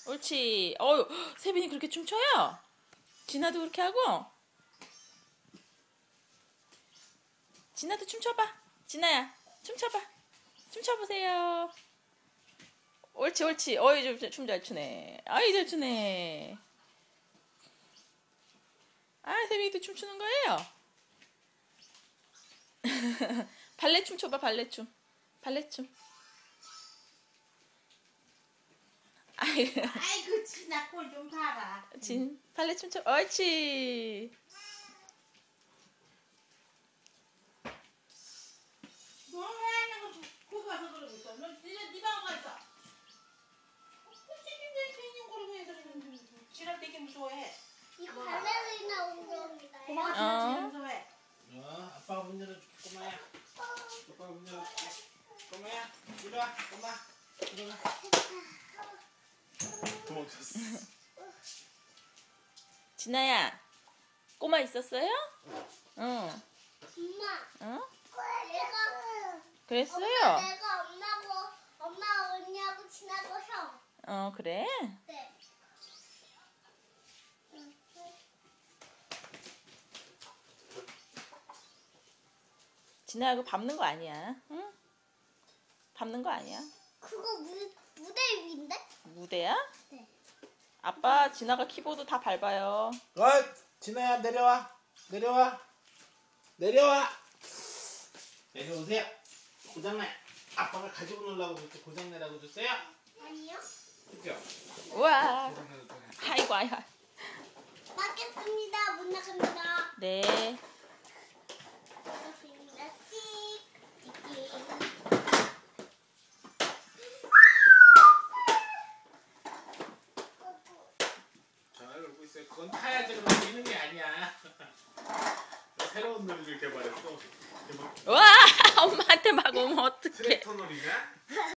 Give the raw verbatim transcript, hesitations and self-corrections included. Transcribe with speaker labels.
Speaker 1: 옳지. 어유, 세빈이 그렇게 춤춰요? 진아도 그렇게 하고? 진아도 춤춰봐. 진아야, 춤춰봐. 춤춰보세요. 옳지, 옳지. 어이, 춤 잘 추네. 아이, 잘 추네. 아, 세빈이도 춤추는 거예요? 발레 춤 춰봐, 발레 춤. 발레 춤.
Speaker 2: 아이고, 진아 꼴 좀 봐라.
Speaker 1: 진, 발레 춤 춰. 옳지.
Speaker 2: 너 왜 하냐고 거기 가서 그러고 있어. 너 니네 네 방에 가 있어. 꼴찌인데 괜히 그러고 해서 지랄 되게 무서워해.
Speaker 3: 이거 발레리나 운동이다.
Speaker 2: 고마워,
Speaker 1: 어.
Speaker 2: 지랄 무서워해.
Speaker 4: 어, 아빠가 문 열어줄게, 꼬마야. 아빠가 문 열어줄게. 꼬마야, 이리 와, 꼬마. 이리 와. 도망쳤어.
Speaker 1: 진아야, 꼬마 있었어요? 응.
Speaker 3: 엄마.
Speaker 1: 어?
Speaker 3: 내가
Speaker 1: 그랬어요?
Speaker 3: 엄마, 내가 엄마고 엄마 언니하고 친하고 형.
Speaker 1: 어, 그래?
Speaker 3: 네.
Speaker 1: 진아야, 그거 밟는 거 아니야. 응? 밟는 거 아니야.
Speaker 3: 그거 무, 무대 위인데?
Speaker 1: 무대야?
Speaker 3: 네.
Speaker 1: 아빠, 진아가 키보드 다 밟아요.
Speaker 4: 어, 진아야, 내려와. 내려와. 내려와. 내려오세요. 고장내. 아빠가 가지고 놀라고 그랬지. 고장내라고 줬어요?
Speaker 3: 아니요.
Speaker 4: 그죠?
Speaker 1: 우와.
Speaker 4: 고장내도 돼.
Speaker 1: 아이고, 아이고.
Speaker 3: 맞겠습니다. 못 나갑니다.
Speaker 1: 네.
Speaker 3: 맞겠습니다. 찍. 찍찍.
Speaker 4: 전화를 걸고 있어요. 그건 타야지. 그럼 뛰는 게 아니야. 새로운 놀이를 개발했어. 개발.
Speaker 1: 와, 엄마한테 막 오면 어떡해.
Speaker 4: 트랙터 놀이냐?